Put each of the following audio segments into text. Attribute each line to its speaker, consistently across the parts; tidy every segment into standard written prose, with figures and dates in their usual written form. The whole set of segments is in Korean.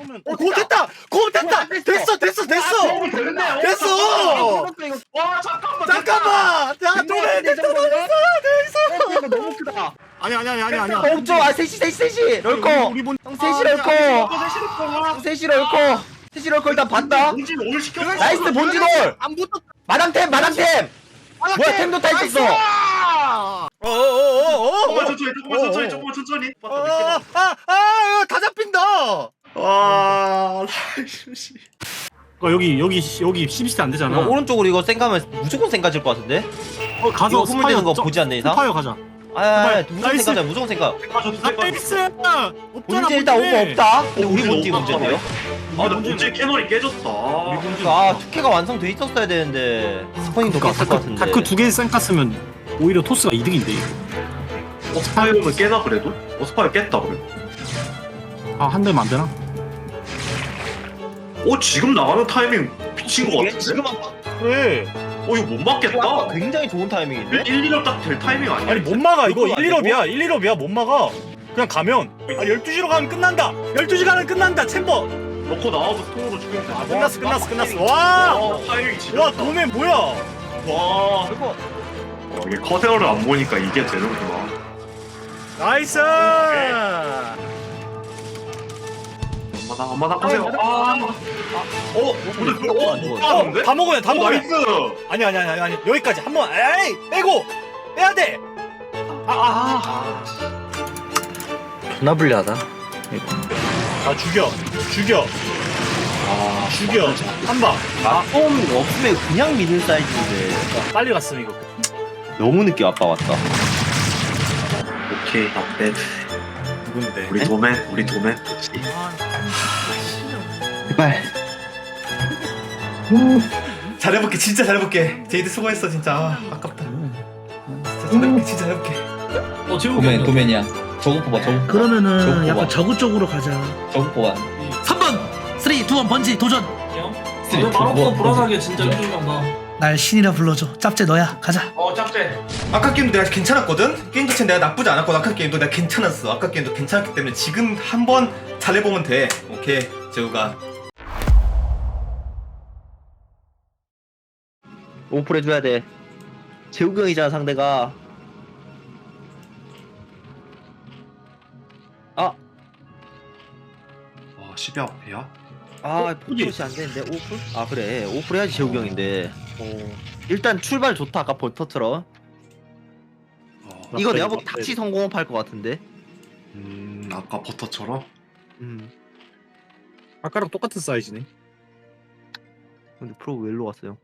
Speaker 1: 고 됐다! 고 됐다! 됐어! 됐어!
Speaker 2: 와 잠깐만.
Speaker 1: 잠깐만! 야 도맨 됐어!
Speaker 3: 이거 너무 크다.
Speaker 1: 아니야.
Speaker 3: 멈춰. 아 셋이 럴코.
Speaker 1: 우리 본
Speaker 3: 형 셋이 럴코. 형 셋이 럴코. 셋이 럴코 일단 봤다.
Speaker 2: 본진 올 시켜.
Speaker 3: 나이스 본진홀.
Speaker 1: 안 붙었.
Speaker 3: 마당템. 뭐야 템도 다 있었어.
Speaker 2: 조금만 천천히.
Speaker 1: 다 잡힌다.
Speaker 2: 와.
Speaker 4: 여기 CBC 안 되잖아.
Speaker 3: 오른쪽으로 이거 생가면 무조건 생가질 것 같은데.
Speaker 4: 가서
Speaker 3: 이거 후물되는 거 보지 않는 이상?
Speaker 4: 스파이어 가자.
Speaker 3: 무조건
Speaker 4: 나이스.
Speaker 3: 생가자. 무조건 생가.
Speaker 4: 나이스.
Speaker 3: 본진 일단 오버 없다. 근데 우리 본진 문제인데요.
Speaker 2: 아, 근데 본진 캐논이 깨졌다.
Speaker 3: 아 투캐가 완성돼 있었어야 되는데 스포닝도 깼을 것 같은데.
Speaker 4: 다크 2개 생갔으면 오히려 토스가 이득인데.
Speaker 2: 스파이어는 깨나 그래도? 스파이어 깼다 그래.
Speaker 4: 한 대면 안 되나?
Speaker 2: 지금 나가는 타이밍 미친 거 같은데?
Speaker 3: 지금
Speaker 1: 그래.
Speaker 2: 이거 못 막겠다.
Speaker 3: 굉장히 좋은 타이밍인데.
Speaker 2: 1, 2업 딱 될 타이밍 아니야?
Speaker 1: 아니 못 막아 이거
Speaker 3: 이거
Speaker 1: 1, 1업이야 못 막아. 그냥 가면 12시로 가면 끝난다. 12시 가면 끝난다. 챔버.
Speaker 2: 넣고 나와서 통으로 죽이면 돼.
Speaker 1: 끝났어. 와.
Speaker 2: 타이밍이 지렸다.
Speaker 1: 와 도맨 뭐야?
Speaker 2: 와.
Speaker 3: 그리고
Speaker 2: 이게 커세어를 안 보니까 이게 되는구나.
Speaker 1: 나이스.
Speaker 2: 엄마나 커세어. 근데 그거 못 가는데?
Speaker 1: 다 먹어요.
Speaker 2: 나이스.
Speaker 1: 아니 여기까지 한번 에이 빼고 빼야 돼.
Speaker 3: 존나 불리하다.
Speaker 1: 죽여 한방.
Speaker 3: 폼 없으면 그냥 미는 사이즈인데
Speaker 1: 빨리 갔으면 이거.
Speaker 3: 너무 늦게 아빠 왔다.
Speaker 2: 오케이, 네.
Speaker 1: 누군데?
Speaker 2: 우리 도맨.
Speaker 3: 제발.
Speaker 5: 잘해볼게 진짜 잘해볼게. 제이드 수고했어 진짜. 아깝다. 진짜 잘해볼게.
Speaker 6: 도맨이야. 저거 뽑아. 저거.
Speaker 7: 그러면은
Speaker 6: 저거
Speaker 7: 약간
Speaker 6: 뽑아.
Speaker 7: 저그 쪽으로 가자.
Speaker 6: 저거 뽑아.
Speaker 7: 3번 3, 2, 1 번지 도전.
Speaker 6: 너 말없어 불안하게 진짜 힘들다.
Speaker 7: 날 신이라 불러줘. 짭제 너야. 가자.
Speaker 2: 짭제.
Speaker 5: 아까 게임도 내가 괜찮았거든. 게임 자체는 내가 나쁘지 않았거든. 아까 게임도 내가 괜찮았어. 아까 게임도 괜찮았기 때문에 지금 한번 잘해보면 돼. 오케이 재우가.
Speaker 3: 오프를 해줘야 돼. 재욱이 형이잖아 상대가.
Speaker 2: 와, 10이 앞이야?
Speaker 3: 포토시 안 되는데 오프? 그래 오프 해야지 재욱이 형인데. 일단 출발 좋다. 아까 버터처럼. 이거 내가 보기 닥치 성공업 할것 같은데.
Speaker 2: 아까 버터처럼?
Speaker 4: 아까랑 똑같은 사이즈네.
Speaker 3: 근데 프로 왜 일로 왔어요?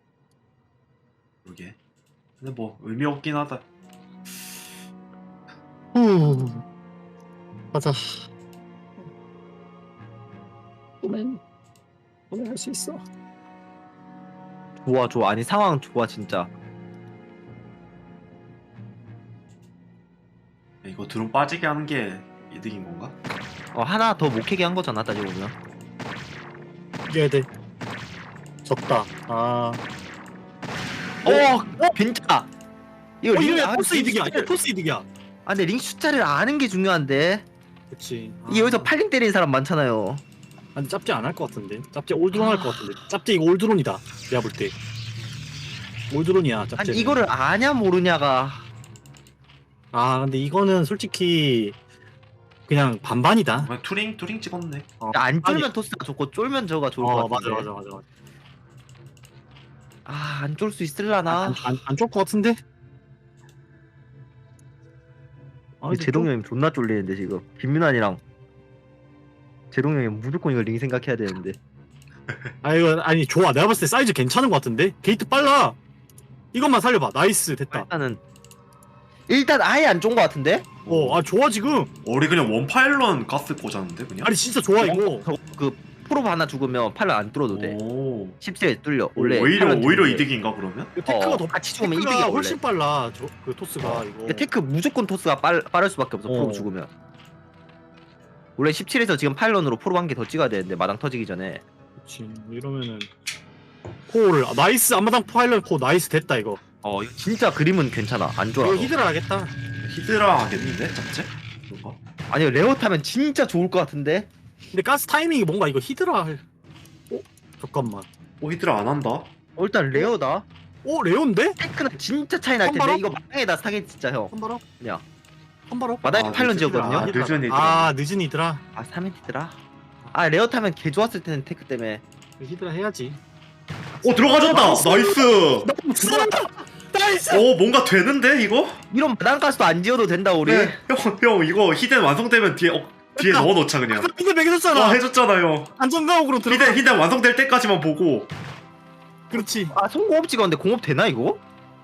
Speaker 2: 그러게. 근데 뭐 의미 없긴 하다.
Speaker 4: 가자. 도맨 할 수 있어.
Speaker 3: 좋아. 아니 상황 좋아 진짜.
Speaker 2: 이거 드론 빠지게 하는 게 이득인 건가?
Speaker 3: 하나 더 못 캐게 한 거잖아 따지고 보면.
Speaker 4: 이겨야 돼. 졌다.
Speaker 3: 괜찮아. 이거
Speaker 4: 이거 토스 이득이야.
Speaker 3: 숫자를-
Speaker 4: 토스 이득이야.
Speaker 3: 근데 링 숫자를 아는 게 중요한데.
Speaker 4: 그렇지.
Speaker 3: 이 여기서 팔링 때리는 사람 많잖아요.
Speaker 4: 아니 짭제 안 할 것 같은데. 짭제 올드론 할 것 같은데. 짭제 이거 올드론이다. 내가 볼 때. 올드론이야 짭제.
Speaker 3: 아니 이거를 아냐 모르냐가.
Speaker 4: 근데 이거는 솔직히 그냥 반반이다.
Speaker 2: 투링 찍었네.
Speaker 3: 안 쫄면 토스가 좋고 쫄면 저가 좋을 것
Speaker 4: 맞아.
Speaker 3: 같은데. 안 쫄 수 있을라나.
Speaker 4: 안쫄 것 같은데.
Speaker 3: 제동 형님 존나 쫄리는데 지금. 김민환이랑 제동 형이 무조건 이거 링 생각해야 되는데.
Speaker 4: 이거 아니 좋아. 내가 봤을 때 사이즈 괜찮은 것 같은데. 게이트 빨라. 이것만 살려봐. 나이스 됐다.
Speaker 3: 일단 아예 안 쫀 것 같은데.
Speaker 4: 좋아 지금.
Speaker 2: 우리 그냥 원파일런 갔을 거잖는데 그냥?
Speaker 4: 아니 진짜 좋아 이거.
Speaker 3: 그 프로브 하나 죽으면 팔을 안 뚫어도 돼.
Speaker 2: 오.
Speaker 3: 10세에 뚫려. 원래
Speaker 2: 오히려
Speaker 3: 팔은 뚫리는데.
Speaker 2: 이득인가 그러면?
Speaker 4: 테크가 더
Speaker 3: 같이 죽으면
Speaker 4: 테크가
Speaker 3: 이득이야
Speaker 4: 훨씬
Speaker 3: 원래.
Speaker 4: 빨라. 그 토스가 이거.
Speaker 3: 테크 무조건 토스가 빠를 수밖에 없어. 프로브 죽으면. 원래 17에서 지금 파일런으로 프로브 한 개 더 찍어야 되는데 마당 터지기 전에.
Speaker 4: 그렇지. 이러면은 코를 나이스. 앞마당 파일럿 코 나이스 됐다 이거.
Speaker 3: 이거 진짜 그림은 괜찮아. 안 좋아.
Speaker 4: 이거 히드라 하겠다.
Speaker 2: 히드라 하겠는데? 잡채? 뭔가?
Speaker 3: 아니요 레어 타면 진짜 좋을 것 같은데.
Speaker 4: 근데 가스 타이밍이 뭔가 이거 히드라 할... 잠깐만.
Speaker 2: 히드라 안 한다.
Speaker 3: 일단 레어다.
Speaker 4: 레온데?
Speaker 3: 테크는 진짜 차이 날 텐데
Speaker 4: 선발업?
Speaker 3: 이거 마당에다 사기 진짜 형.
Speaker 4: 한바로?
Speaker 3: 야.
Speaker 4: 한바로?
Speaker 3: 마당에 파일런 지었거든요.
Speaker 2: 아, 늦은 히드라.
Speaker 4: 늦은 히드라.
Speaker 3: 아 3엔티더라. 아 레어 타면 개 좋았을 텐데 테크 때문에.
Speaker 4: 히드라 해야지.
Speaker 2: 들어가졌다. 나이스.
Speaker 4: 나이스!
Speaker 2: 뭔가 되는데 이거?
Speaker 3: 이런 마당 가스도 안 지어도 된다 우리.
Speaker 2: 네. 형 이거 히덴 완성되면 뒤에 넣어놓자 그냥.
Speaker 4: 히드 매겨줬잖아.
Speaker 2: 해줬잖아요.
Speaker 4: 안전가옥으로 들어가.
Speaker 2: 히덴 완성될 때까지만 보고.
Speaker 4: 그렇지.
Speaker 3: 아 송공업 찍었는데 공업 되나 이거?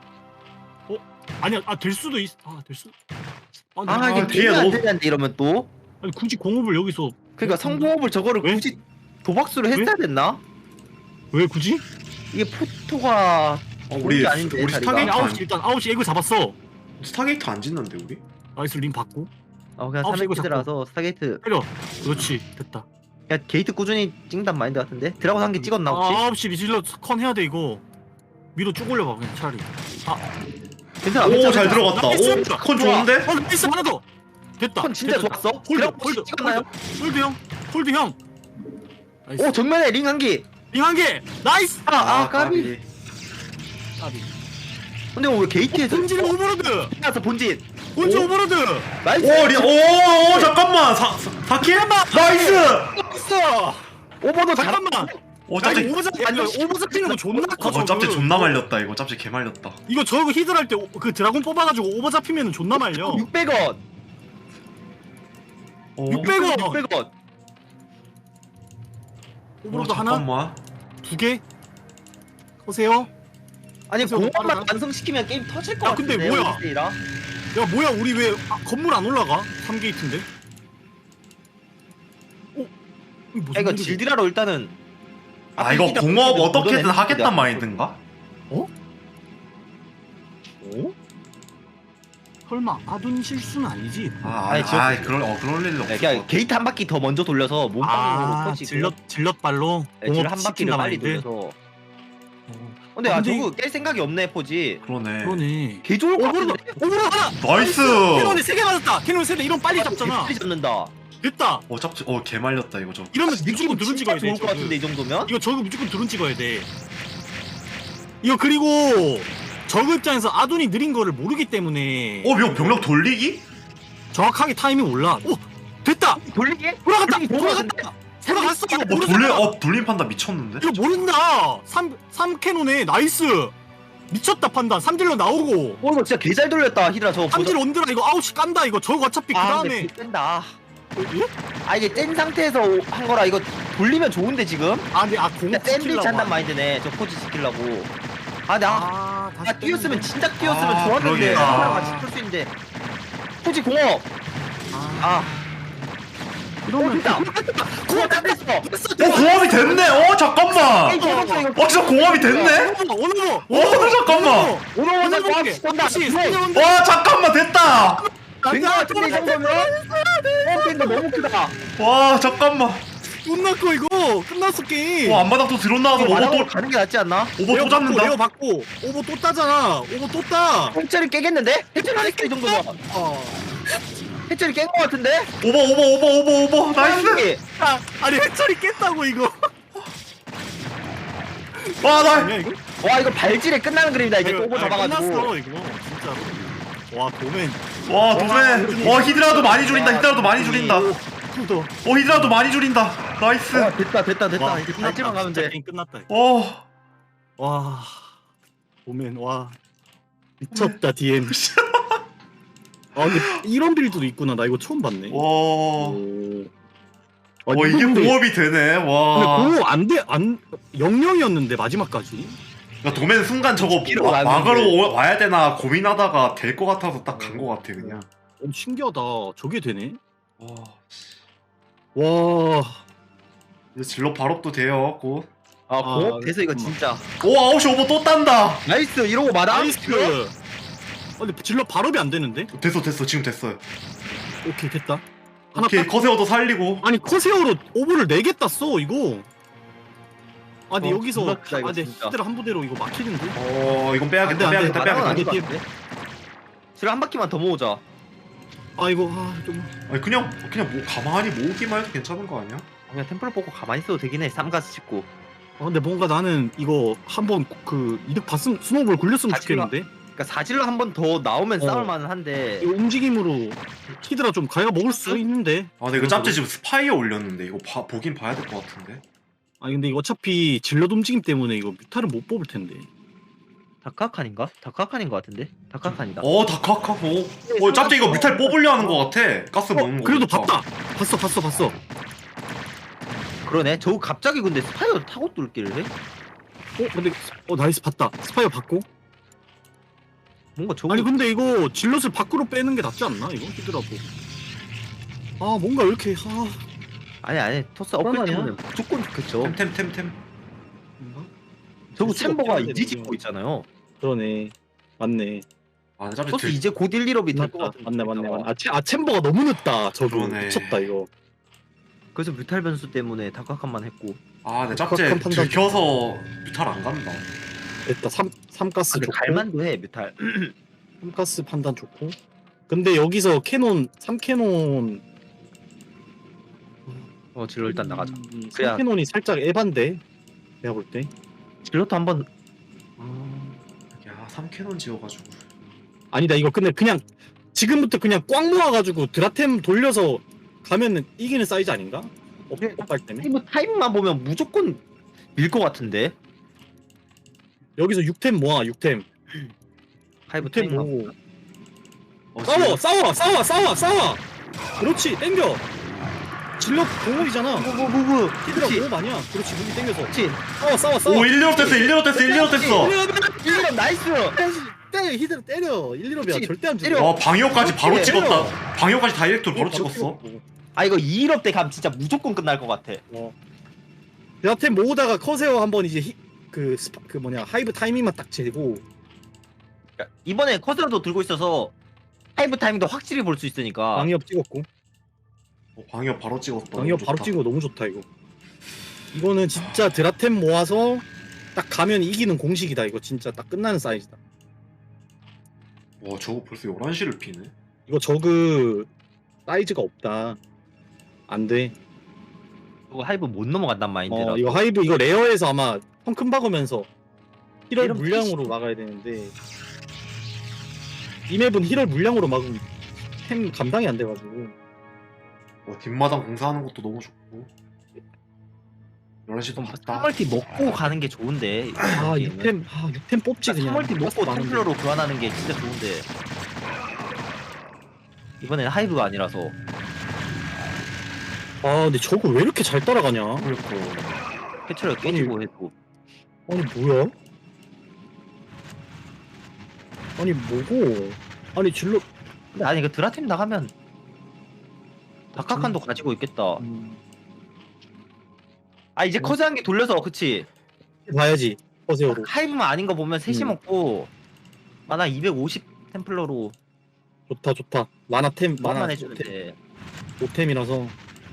Speaker 4: 아니야, 될 수도 있. 될 수.
Speaker 3: 아 이게
Speaker 2: 뒤에
Speaker 3: 뒤에 안
Speaker 2: 넣어.
Speaker 3: 되는데 이러면 또.
Speaker 4: 아니 굳이 공업을 여기서
Speaker 3: 그러니까 성공업을 저거를
Speaker 4: 왜?
Speaker 3: 굳이 도박수를 했어야 됐나?
Speaker 4: 왜 굳이?
Speaker 3: 이게 포토가
Speaker 2: 우리
Speaker 3: 아닌데
Speaker 2: 우리
Speaker 3: 자리가.
Speaker 2: 스타게이트
Speaker 4: 아니,
Speaker 2: 안
Speaker 4: 9시 일단 9시 에그 잡았어.
Speaker 2: 스타게이트 안 짓는데 우리?
Speaker 4: 나이스 림 받고.
Speaker 3: 그냥
Speaker 4: 아홉 시 이거
Speaker 3: 3엔티더라서 스타게이트.
Speaker 4: 때려. 그렇지. 됐다.
Speaker 3: 야 게이트 꾸준히 찍는단 마인드 같은데? 드라곤 한 개 찍었나 혹시?
Speaker 4: 9시 리질러 컨 해야 돼 이거. 위로 쭉 올려봐 그냥 차라리.
Speaker 3: 괜찮아.
Speaker 2: 오 잘 들어갔다.
Speaker 4: 나이스!
Speaker 2: 컨 좋은데?
Speaker 4: 나이스 하나 더. 됐다.
Speaker 3: 컨 진짜
Speaker 4: 됐다.
Speaker 3: 좋았어.
Speaker 4: 홀드
Speaker 3: 드라곤
Speaker 4: 홀드
Speaker 3: 찍었나요?
Speaker 4: 홀드 형. 홀드 형. 나이스.
Speaker 3: 오 정면에 링 한 개.
Speaker 4: 링한 개. 나이스.
Speaker 3: 까비.
Speaker 4: 까비.
Speaker 3: 근데 왜 게이트에서
Speaker 4: 본진 오버로드.
Speaker 3: 나서 본진.
Speaker 4: 본진 오버로드.
Speaker 3: 나이스.
Speaker 2: 오 잠깐만 4킬? 나이스!
Speaker 3: 있어. 오버도
Speaker 4: 잠깐만.
Speaker 2: 짭제
Speaker 4: 오버잡 찍는 거 존나 커.
Speaker 2: 짭제
Speaker 4: 저거.
Speaker 2: 존나 말렸다 이거. 짭제 개 말렸다.
Speaker 4: 이거 저거 히들 할때 그 드라곤 뽑아가지고 오버 잡히면은 존나 말려.
Speaker 3: 600원.
Speaker 4: 600원.
Speaker 3: 600원.
Speaker 4: 오버로드 하나,
Speaker 2: 잠깐만.
Speaker 4: 두 개. 보세요.
Speaker 3: 아니
Speaker 4: 그래서
Speaker 3: 공업만
Speaker 4: 빠르다.
Speaker 3: 완성시키면 게임 터질 것
Speaker 4: 야,
Speaker 3: 같은데.
Speaker 4: 근데 뭐야?
Speaker 3: 오디세이라.
Speaker 4: 야 뭐야 우리 왜 건물 안 올라가? 3게이트인데? 이거 무슨
Speaker 3: 야, 이거
Speaker 4: 일이야?
Speaker 3: 질드라로 일단은.
Speaker 2: 이거
Speaker 3: 앞에
Speaker 2: 공업
Speaker 3: 묻어내는
Speaker 2: 어떻게든
Speaker 3: 거야.
Speaker 2: 하겠단 마인드인가?
Speaker 4: 설마 아둔 실수는 아니지?
Speaker 3: 아니, 지금-
Speaker 2: 그럴 일
Speaker 3: 네,
Speaker 2: 없어.
Speaker 3: 그냥 게이트 한 바퀴 더 먼저 돌려서 몸빵으로 터지고.
Speaker 4: 질럿 발로
Speaker 3: 네,
Speaker 4: 공업
Speaker 3: 질럿 한 바퀴를
Speaker 4: 시킨다
Speaker 3: 빨리
Speaker 4: 마인드.
Speaker 3: 돌려서. 근데
Speaker 4: 근데
Speaker 3: 저거 깰 생각이 없네 포지.
Speaker 2: 그러네.
Speaker 4: 그러네.
Speaker 3: 개 좋을 것
Speaker 4: 오버로드
Speaker 3: 같은데.
Speaker 4: 오버로드 하나.
Speaker 2: 나이스.
Speaker 4: 캐논이 3개 맞았다. 캐논 3개 이런 빨리 잡잖아.
Speaker 3: 빨리 잡는다.
Speaker 4: 됐다.
Speaker 2: 짭제 개 말렸다 이거 저.
Speaker 4: 이러면 무조건 드론 찍어야 돼.
Speaker 3: 좋을 것
Speaker 4: 저거.
Speaker 3: 같은데 이 정도면?
Speaker 4: 이거 저거 무조건 드론 찍어야 돼. 이거 그리고 저그 입장에서 아둔이 느린 거를 모르기 때문에
Speaker 2: 이거 병력 돌리기?
Speaker 4: 정확하게 타이밍 몰라. 오 됐다.
Speaker 3: 돌리기?
Speaker 4: 돌아갔다.
Speaker 3: 돌리기 좋을 것 같은데?
Speaker 4: 돌아갔어. 이거 모르잖아.
Speaker 2: 돌림 판단 미쳤는데?
Speaker 4: 이거 모른다. 3캐논에 나이스. 미쳤다 판단. 3딜러 나오고.
Speaker 3: 이거 진짜 개 잘 돌렸다 히드라 저거.
Speaker 4: 3딜 온드라 이거 9시 깐다 이거. 저거 어차피 그 다음에.
Speaker 3: 뺀다.
Speaker 4: 예?
Speaker 3: 이게 뗀 상태에서 한 거라 이거 돌리면 좋은데 지금?
Speaker 4: 근데 공업
Speaker 3: 그러니까 샌드위치 한단 마인드네 저 포지 지키려고. 나 뛰었으면 진짜 뛰었으면 좋았는데
Speaker 2: 그러게.
Speaker 3: 누구랑 같이 풀 수 있는데 포지 공업.
Speaker 4: 이러면
Speaker 3: 됐다. 공업 안 됐어.
Speaker 2: 공업이 됐네. 잠깐만. 진짜 공업이 됐네.
Speaker 4: 오너버.
Speaker 2: 잠깐만.
Speaker 3: 오너워자 공업 시킨다.
Speaker 2: 와 잠깐만 됐다.
Speaker 3: 된거 같은데 이 정도면? 된거 너무 크다.
Speaker 2: 와 잠깐만.
Speaker 4: 끝났고 이거 끝났어 게임.
Speaker 2: 와 앞마당 또 드론 나와서 오버
Speaker 3: 마당으로
Speaker 2: 또
Speaker 3: 가는 게 낫지 않나?
Speaker 2: 오버 또 잡는다.
Speaker 4: 레어 받고 오버 또 따잖아. 오버 또 따.
Speaker 3: 해처리 깨겠는데? 해처리 안 했어 이 정도면. 해처리 깬 거 같은데?
Speaker 2: 오버 나이스.
Speaker 4: 아니 해철이 깼다고 이거.
Speaker 2: 와나
Speaker 4: 아니야 이거?
Speaker 3: 와 이거 발질에 끝나는 그림이다 이제 또 오버 잡아가지고.
Speaker 4: 끝났어 이거 진짜로. 와 도맨.
Speaker 2: 와 도매. 와 히드라도 많이 줄인다. 히드라도 많이 줄인다.
Speaker 4: 푸더.
Speaker 2: 히드라도 많이 줄인다. 나이스.
Speaker 3: 됐다. 이제 발질만 가면 돼.
Speaker 4: 게임 끝났다. 이거.
Speaker 2: 와.
Speaker 4: 와 도맨 와 미쳤다 DM. 근데 이런 빌드도 있구나. 나 이거 처음 봤네.
Speaker 2: 와.
Speaker 4: 오.
Speaker 2: 와 이게
Speaker 4: 근데-
Speaker 2: 공업이 되네.
Speaker 4: 근데
Speaker 2: 와.
Speaker 4: 공업 안 0-0이었는데 마지막까지.
Speaker 2: 그러니까 도매는 순간 저거
Speaker 3: 스피드로
Speaker 2: 막으로
Speaker 3: 왔는데.
Speaker 2: 와야 되나 고민하다가 될 것 같아서 딱 간 것 같아 그냥.
Speaker 4: 신기하다. 저게 되네.
Speaker 2: 와.
Speaker 4: 와.
Speaker 2: 이제 질러 발업도 돼요. 곧.
Speaker 3: 공업 돼서 이거 진짜.
Speaker 2: 오 9시 오버 또 딴다.
Speaker 3: 나이스 이러고 마당.
Speaker 4: 나이스. 근데 질러 발업이 안 되는데?
Speaker 2: 됐어 지금 됐어요.
Speaker 4: 오케이 됐다. 하나
Speaker 2: 오케이
Speaker 4: 딱.
Speaker 2: 커세어도 살리고.
Speaker 4: 아니 커세어로 오버를 4개 땄어 이거. 근데
Speaker 3: 어,
Speaker 4: 여기서
Speaker 3: 존나 크다, 이거
Speaker 4: 근데
Speaker 3: 진짜.
Speaker 4: 히드라 한 부대로 이거 막히는데?
Speaker 2: 이건
Speaker 4: 안 돼,
Speaker 2: 빼야겠다.
Speaker 4: 안 돼.
Speaker 2: 빼야겠다.
Speaker 3: 마당은
Speaker 2: 빼야겠다.
Speaker 3: 아닐 것 같은데? 지금 한 바퀴만 더 모으자.
Speaker 4: 아이고 좀.
Speaker 2: 아니 그냥 뭐 가만히 모으기만 해도 괜찮은 거 아니야?
Speaker 3: 그냥 템플러 뽑고 가만히 있어도 되긴 해. 쌈가스 찍고.
Speaker 4: 근데 뭔가 나는 이거 한번 그 이득 봤음 스노우볼 굴렸으면
Speaker 3: 다 질러.
Speaker 4: 좋겠는데.
Speaker 3: 그러니까 사질러 한 번 더 나오면
Speaker 4: 어.
Speaker 3: 싸울 만한데.
Speaker 4: 이거 움직임으로 히드라 좀 가야 먹을 수 있는데.
Speaker 2: 아 근데 이거 짭제 지금 스파이어 올렸는데 이거 보긴 봐야 될 것 같은데.
Speaker 4: 아니 근데 이거 어차피 질럿 움직임 때문에 이거 뮤타를 못 뽑을 텐데.
Speaker 3: 다카칸인가? 다카칸인 것 같은데? 다카칸이다.
Speaker 2: 다카카. 짭제 이거 뮤탈 뽑으려 하는 것 같아. 가스 먹는 거.
Speaker 4: 그래도
Speaker 2: 보니까.
Speaker 4: 봤다. 봤어.
Speaker 3: 그러네. 저거 갑자기 근데 스파이어 타고 뚫기를 해?
Speaker 4: 근데 나이스 봤다. 스파이어 받고.
Speaker 3: 뭔가 저거
Speaker 4: 아니 근데 이거 질럿을 밖으로 빼는 게 낫지 않나 이거 히드라고. 뭔가 왜 이렇게
Speaker 3: 아니 토스 업글
Speaker 4: 불안하냐?
Speaker 3: 때문에 무조건 좋겠죠.
Speaker 2: 템.
Speaker 3: 저거
Speaker 4: 수가
Speaker 3: 챔버가
Speaker 4: 없긴 한데,
Speaker 3: 이제
Speaker 4: 지금.
Speaker 3: 짓고 있잖아요.
Speaker 4: 그러네. 맞네.
Speaker 2: 아 근데 짭제
Speaker 3: 토스 이제 곧 1, 1업이 될 것 같은데.
Speaker 4: 맞네. 챔버가 너무 늦다. 저거
Speaker 2: 그러네.
Speaker 4: 미쳤다 이거.
Speaker 3: 그래서 뮤탈 변수 때문에 다카칸만 했고.
Speaker 2: 근데 짭제
Speaker 4: 컷 판단.
Speaker 2: 들켜서 뮤탈 안 간다.
Speaker 4: 됐다. 3가스
Speaker 3: 근데
Speaker 4: 좋고.
Speaker 3: 갈만도 해 뮤탈.
Speaker 4: 3가스 판단 좋고. 근데 여기서 캐논 3캐논
Speaker 3: 질러 일단 나가자. 그래야-
Speaker 4: 3캐논이 살짝 에반데. 내가 볼 때.
Speaker 3: 질러도 한번
Speaker 2: 야 3캐논 지어가지고.
Speaker 4: 아니다 이거 근데 그냥 지금부터 그냥 꽉 모아가지고 드라템 돌려서 가면은 이기는 사이즈 아닌가? 업발 때문에
Speaker 3: 타임만 보면 무조건 밀 것 같은데.
Speaker 4: 여기서 6템 모아 6템
Speaker 3: 하이브
Speaker 4: 6템
Speaker 3: 타임만.
Speaker 4: 모으고
Speaker 2: 지금
Speaker 4: 싸워 그렇지 땡겨 질럿 공업이잖아
Speaker 3: 무브.
Speaker 4: 히드라
Speaker 3: 그렇지.
Speaker 4: 공업 아니야 그렇지 무기 땡겨서
Speaker 3: 그렇지.
Speaker 4: 싸워
Speaker 2: 오 1리업 됐어 1리업 됐어.
Speaker 3: 1업 나이스.
Speaker 4: 때려 히드라 때려 1, 2롭이야
Speaker 3: 그렇지,
Speaker 4: 절대 안
Speaker 3: 때려.
Speaker 4: 죽어
Speaker 2: 방위호까지 바로
Speaker 3: 때려.
Speaker 2: 찍었다. 방위호까지 다이렉트로 바로 찍었어.
Speaker 4: 찍었고.
Speaker 3: 이거 2일업 때 가면 진짜 무조건 끝날 것 같아.
Speaker 4: 드라템 모으다가 커세어 한번 이제 그 하이브 타이밍만 딱 재고
Speaker 3: 그러니까 이번에 커서도 들고 있어서 하이브 타이밍도 확실히 볼 수 있으니까.
Speaker 4: 방위업 찍었고
Speaker 2: 방위호 바로 찍었다.
Speaker 4: 방위업
Speaker 2: 너무
Speaker 4: 바로
Speaker 2: 좋다.
Speaker 4: 찍은 거 너무 좋다 이거 이거는 진짜 드라템 모아서 딱 가면 이기는 공식이다 이거 진짜 딱 끝나는 사이즈다
Speaker 2: 와 저거 벌써 11시를 피네.
Speaker 4: 이거 저그 사이즈가 없다 안돼
Speaker 3: 이거 하이브 못 넘어간단 마인드라.
Speaker 4: 이거 하이브 이거 레어에서 아마 펑큰 박으면서 힐을
Speaker 3: 이러면
Speaker 4: 물량으로 막아야 되는데 이 맵은 힐을 물량으로 막으면 템 감당이 안 돼가지고
Speaker 2: 뒷마당 공사하는 것도 너무 좋고. 11시도 봤다.
Speaker 3: 3멀티 먹고 가는 게 좋은데.
Speaker 4: 6템 뽑지 그냥
Speaker 3: 3멀티 먹고
Speaker 4: 많은데.
Speaker 3: 템플러로 교환하는 게 진짜 좋은데. 이번엔 하이브가 아니라서.
Speaker 4: 근데 저거 왜 이렇게 잘 따라가냐
Speaker 3: 패치를 깨지고 해도.
Speaker 4: 아니 뭐야? 아니 뭐고? 아니 질러
Speaker 3: 근데 아니 그 드라템 나가면 다카칸도 가지고 있겠다. 이제 커즈 한 개 돌려서 그치.
Speaker 4: 봐야지 허세어로
Speaker 3: 하이브만 아닌 거 보면 셋이
Speaker 4: 음.
Speaker 3: 먹고 만화 250 템플러로
Speaker 4: 좋다 만화템
Speaker 3: 만만 해주면 돼.
Speaker 4: 5템이라서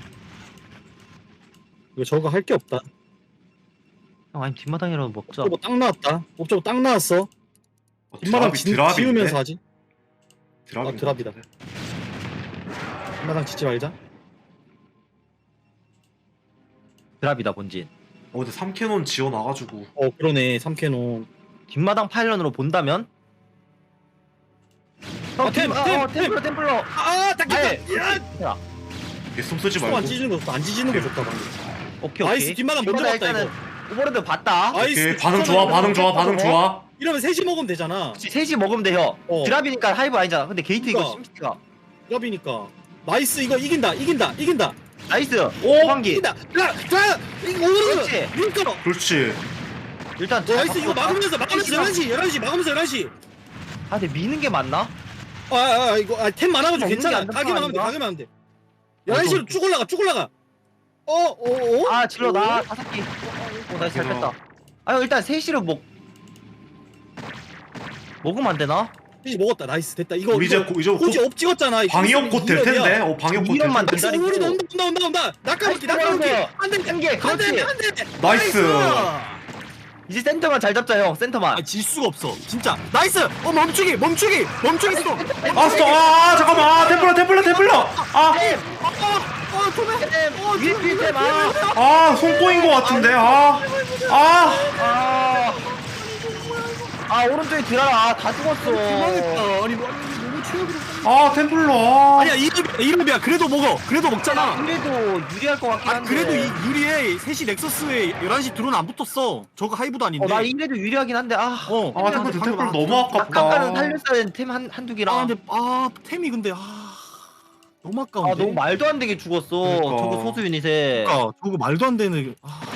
Speaker 4: 이거 저거 할 게 없다
Speaker 3: 형 아니 뒷마당이라도 먹자.
Speaker 4: 옵저버 딱 나왔다 옵저버 딱 나왔어 뒷마당 지우면서 하지 드랍이다. 뒷마당 짓지 말자
Speaker 3: 드랍이다 본진.
Speaker 2: 근데 3캐논 지어놔가지고.
Speaker 4: 그러네 3캐논
Speaker 3: 뒷마당 파일런으로 본다면 템플러
Speaker 4: 딱
Speaker 2: 개숨 쓰지
Speaker 4: 안
Speaker 2: 말고.
Speaker 4: 찢는 거 안 찢는 게 좋다 방금
Speaker 3: 오케이
Speaker 4: 나이스 뒷마당 먼저 봤다
Speaker 3: 일단은
Speaker 4: 이거
Speaker 3: 오버로드 봤다.
Speaker 2: 오케이 반응 좋아.
Speaker 4: 이러면 셋이 먹으면 되잖아
Speaker 3: 셋이 먹으면 돼요. 드랍이니까 하이브 아니잖아. 근데 게이트 이거
Speaker 4: 그러니까.
Speaker 3: 심시티가
Speaker 4: 드랍이니까 나이스 이거 이긴다
Speaker 3: 나이스.
Speaker 2: 오!
Speaker 3: 환기.
Speaker 4: 이긴다 이거 오르르
Speaker 3: 그렇지.
Speaker 4: 밀끌어
Speaker 2: 그렇지.
Speaker 3: 일단 잘
Speaker 4: 나이스 이거
Speaker 3: 바꿨다.
Speaker 4: 막으면서 11시 막으면서 11시
Speaker 3: 근데 미는 게 맞나?
Speaker 4: 이거 템 많아가지고
Speaker 3: 없는 게
Speaker 4: 괜찮아
Speaker 3: 안 된다,
Speaker 4: 가기만 하면 돼
Speaker 3: 아닌가?
Speaker 4: 가기만 하면 돼 11시로 쭉 올라가
Speaker 3: 질러 나 5개. 나이스 잘 뺐다. 일단 3시로 먹으면 안 되나?
Speaker 4: 셋이 먹었다 나이스 됐다 이거
Speaker 2: 우리 이제
Speaker 4: 호지 업 찍었잖아
Speaker 2: 방위업 곧 될 텐데. 방위업 곧 될
Speaker 3: 이런만
Speaker 2: 텐데.
Speaker 3: 된다.
Speaker 4: 온다 낙하바퀴
Speaker 3: 나이스,
Speaker 4: 안돼
Speaker 3: 한 개. 그렇지.
Speaker 2: 나이스.
Speaker 3: 이제 센터만 잘 잡자 형. 센터만.
Speaker 4: 아, 질 수가 없어. 진짜. 나이스. 멈추기 스톱.
Speaker 5: 아 스톱. 잠깐만. 템플러.
Speaker 3: 위에
Speaker 5: 손 꼬인 거 같은데.
Speaker 3: 오른쪽에 들어라. 다 죽었어.
Speaker 4: 도망했다. 아니 너무 최악이라.
Speaker 5: 템플러.
Speaker 4: 아니야 이름이야. 그래도 먹잖아.
Speaker 3: 그래도 유리할 것 같긴 한데.
Speaker 4: 그래도 이 유리에 3시 넥서스에 11시 드론 안 붙었어. 저거 하이브도 아닌데.
Speaker 3: 나 이래도 유리하긴 한데
Speaker 5: 템플러 너무 아깝다.
Speaker 3: 아까는 살렸어야 되는 템 한두 개랑.
Speaker 4: 근데 템이 근데 너무 아까운데.
Speaker 3: 너무 말도 안 되게 죽었어.
Speaker 5: 그러니까.
Speaker 3: 저거 소수 유닛에.
Speaker 4: 그러니까 저거 말도 안 되는.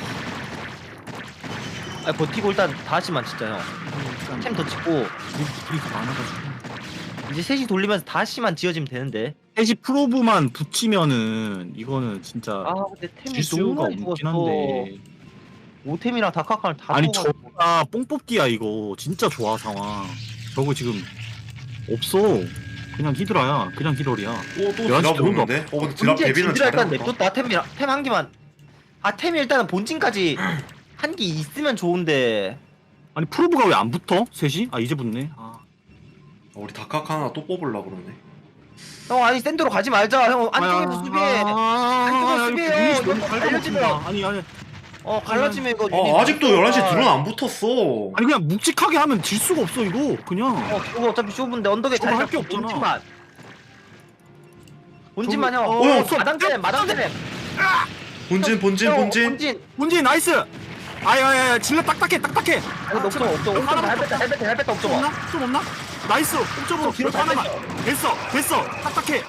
Speaker 3: 버티고 일단 다시만 진짜 형. 템 더 찍고
Speaker 4: 우리 많아가지고.
Speaker 3: 이제 셋이 돌리면서 다시만 지어지면 되는데.
Speaker 4: 3시 프로브만 붙이면은 이거는 진짜
Speaker 3: 근데 템이
Speaker 4: 질 수가
Speaker 3: 너무 많이
Speaker 4: 없긴
Speaker 3: 죽었어.
Speaker 4: 한데.
Speaker 3: 오템이랑 다카카를 다
Speaker 4: 아니
Speaker 3: 죽어가지고.
Speaker 4: 저가 뽕 뽑기야 이거. 진짜 좋아 상황. 저거 지금 없어. 그냥 히드라야. 그냥 히럴이야.
Speaker 5: 또 드랍
Speaker 4: 드론도
Speaker 5: 오는데? 근데 드랍
Speaker 3: 문제
Speaker 5: 데뷔는
Speaker 3: 진드라 일단
Speaker 5: 잘했다.
Speaker 3: 냅뒀다. 템 한 개만. 템이 일단은 본진까지 한 개 있으면 좋은데.
Speaker 4: 아니 프로브가 왜 안 붙어? 셋이? 이제 붙네.
Speaker 5: 우리 다카카 하나 또 뽑으려고 그러네.
Speaker 3: 형 아니 센터로 가지 말자. 형 안쪽에서 수비해. 안쪽에서 수비해요. 이거 갈라지면.
Speaker 4: 아니
Speaker 3: 갈라지면 이거. 유닛
Speaker 5: 아직도
Speaker 3: 없으니까.
Speaker 5: 11시 드론 안 붙었어.
Speaker 4: 아니 그냥 묵직하게 하면 질 수가 없어 이거. 그냥.
Speaker 3: 저거 어차피 쇼부인데 언덕에
Speaker 4: 저거
Speaker 3: 잘
Speaker 4: 할게
Speaker 3: 잡고
Speaker 4: 없잖아.
Speaker 3: 본진만 형.
Speaker 4: 저거-
Speaker 3: 마당템.
Speaker 5: 본진.
Speaker 4: 문진 나이스. 아야야야 질러 딱딱해.
Speaker 3: 없어. 헬베타 없어.
Speaker 4: 좀 없나? 나이스. 옥점으로
Speaker 3: 뒤로
Speaker 4: 하나만. 됐어. 딱딱해.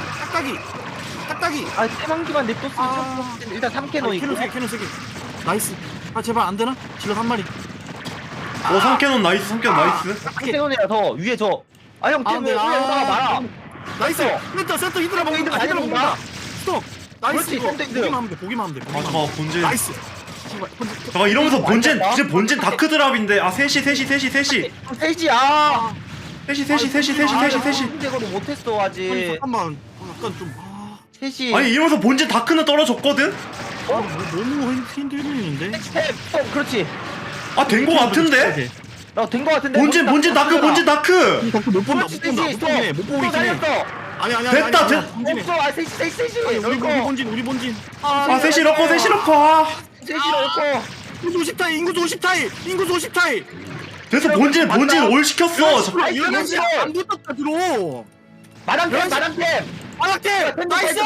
Speaker 4: 딱딱이.
Speaker 3: 템 한 개만 냅뒀으면 일단 3캐논 있고.
Speaker 4: 캐논 3개. 나이스. 제발 안 되나? 질러 한 마리.
Speaker 5: 성캐논 나이스.
Speaker 3: 캐논이라 더 위에 저. 형 템 왜 여기다가 말아.
Speaker 4: 나이스. 센터 히드라 먹는다.
Speaker 3: 히드라 먹는다.
Speaker 4: 스톱. 나이스.
Speaker 3: 그렇지,
Speaker 4: 이거.
Speaker 3: 센터 히드라.
Speaker 4: 보기만 하면 돼.
Speaker 5: 잠깐만 본진.
Speaker 4: 나이스.
Speaker 5: 잠깐 이러면서 본진
Speaker 3: 아니야,
Speaker 5: 지금 본진 다크 드랍인데. 3시.
Speaker 3: 셋이야. 대거도 못했어
Speaker 4: 아니
Speaker 3: 아직.
Speaker 4: 잠깐만. 약간 좀
Speaker 3: 셋이.
Speaker 5: 아니 이러면서 본진 다크는 떨어졌거든?
Speaker 4: 너무 힘들리는데.
Speaker 3: 그렇지.
Speaker 5: 된 거 같은데?
Speaker 3: 나된거 같은데.
Speaker 5: 본진 다크.
Speaker 4: 못 본다. 못 보고 있긴 해. 아니.
Speaker 5: 됐다.
Speaker 3: 없어. 셋이.
Speaker 4: 우리 본진.
Speaker 5: 3시 넣고.
Speaker 3: 셋이 넣고.
Speaker 4: 인구수 50타이.
Speaker 5: 그래서 본진 올 시켰어.
Speaker 3: 아이, 그건 싫어.
Speaker 4: 안 붙었다 들어.
Speaker 3: 마당템.
Speaker 4: 나이스.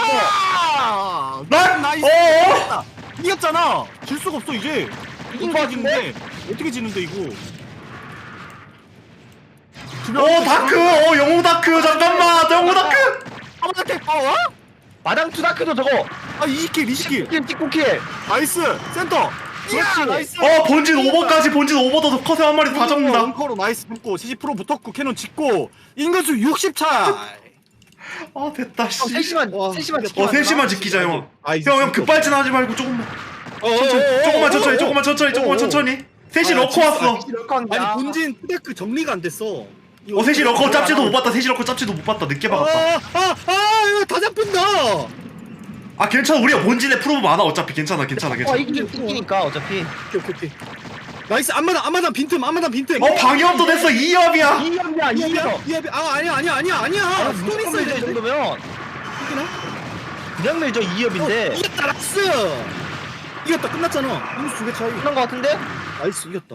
Speaker 4: 나이스.
Speaker 5: 어어?
Speaker 4: 이겼잖아. 질 수가 없어 이제.
Speaker 3: 이긴 거 같은데?
Speaker 4: 어떻게 지는데 이거?
Speaker 5: 다크. 영웅 다크. 잠깐만. 영웅 다크.
Speaker 3: 마당 투다크도 저거.
Speaker 4: 20킬.
Speaker 3: 찍고 킬.
Speaker 4: 나이스. 센터.
Speaker 3: 그렇지.
Speaker 4: 나이스.
Speaker 5: 본진 오버까지. 본진 오버도 컷에 한 마리 다 잡는다.
Speaker 4: 엉커로 나이스 붙고 70% 붙었고 캐논 짓고 인구수 60차.
Speaker 5: 됐다 씨.
Speaker 3: 셋이만 지키면
Speaker 5: 3시만 지키자 형.
Speaker 4: 나이스.
Speaker 5: 형 급발진 하지 말고 조금만 천천히. 3시 넣고 왔어.
Speaker 4: 아니 본진 투데크 정리가 안 됐어.
Speaker 5: 3시 넣고 짭지도 못 봤다. 3시 넣고 짭지도 못 봤다. 늦게 박았다.
Speaker 4: 이거 다 잡힌다.
Speaker 5: 괜찮아. 우리가 본진에 프로브 많아. 어차피 괜찮아.
Speaker 3: 이기니까 어차피.
Speaker 4: 오케이. 나이스. 앞마당 빈틈.
Speaker 5: 방염도 됐어. 2업이야.
Speaker 3: 2업이야.
Speaker 4: 아니야.
Speaker 3: 무조건 밀죠 이 정도면. 그냥 밀죠 2업인데.
Speaker 4: 이겼다. 나이스. 이겼다. 끝났잖아. 인구수 2개 차이.
Speaker 3: 그런 거 같은데?
Speaker 4: 나이스 이겼다.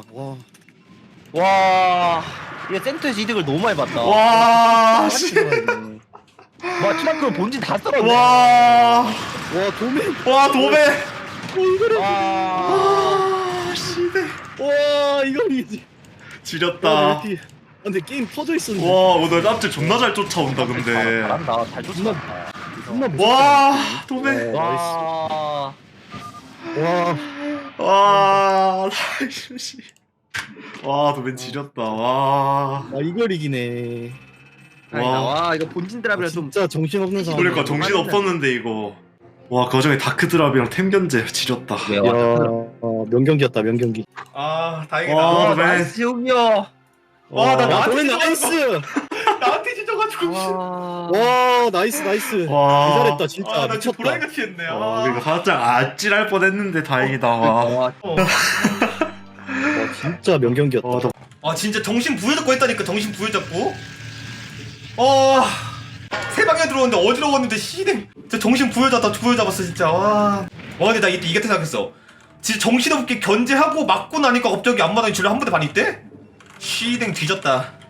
Speaker 3: 와. 이거 센터에서 이득을 너무 많이 봤다.
Speaker 5: 와 씨.
Speaker 3: 와 투다크 본진 다 썰었네.
Speaker 5: 와
Speaker 4: 도매.
Speaker 5: 도배.
Speaker 3: 와.
Speaker 5: 씨네.
Speaker 4: 이거 이기지.
Speaker 5: 지렸다.
Speaker 4: 근데 게임 퍼져 있었는데.
Speaker 5: 오늘 짭지 존나 잘 쫓아온다 근데.
Speaker 3: 잘한다. 잘 쫓아간다.
Speaker 5: 와 도배.
Speaker 3: 와.
Speaker 5: 나이스. 도배 지렸다. 와.
Speaker 4: 이걸 이기네.
Speaker 3: 와 이거 본진 드랍이라 좀.
Speaker 4: 진짜 정신없는 상황.
Speaker 5: 그러니까 정신 없었는데 이거. 그 와중에 다크 드랍이랑 템 견제 지렸다.
Speaker 4: 명경기였다. 명경기.
Speaker 5: 다행이다. 도배.
Speaker 3: 나이스 형이요.
Speaker 5: 나 나한테
Speaker 4: 나이스.
Speaker 5: 나한테 지져가지고.
Speaker 4: 와 나이스. 잘했다 진짜.
Speaker 5: 나 진짜
Speaker 4: 미쳤다.
Speaker 5: 불안같이 했네. 그러니까 살짝 아찔할 뻔했는데 다행이다. 와.
Speaker 4: 진짜 명경기였다.
Speaker 5: 아 진짜 정신 부여잡고 했다니까. 정신 부여잡고. 세 방에 들어오는데 어지러웠는데 시댕. 진짜 정신 부여잡았어 진짜. 와 근데 나 이때 이겼다 생각했어. 진짜 정신없게 견제하고 맞고 나니까 갑자기 앞마당에 줄에 한 번에 반 있대? 시댕 뒤졌다.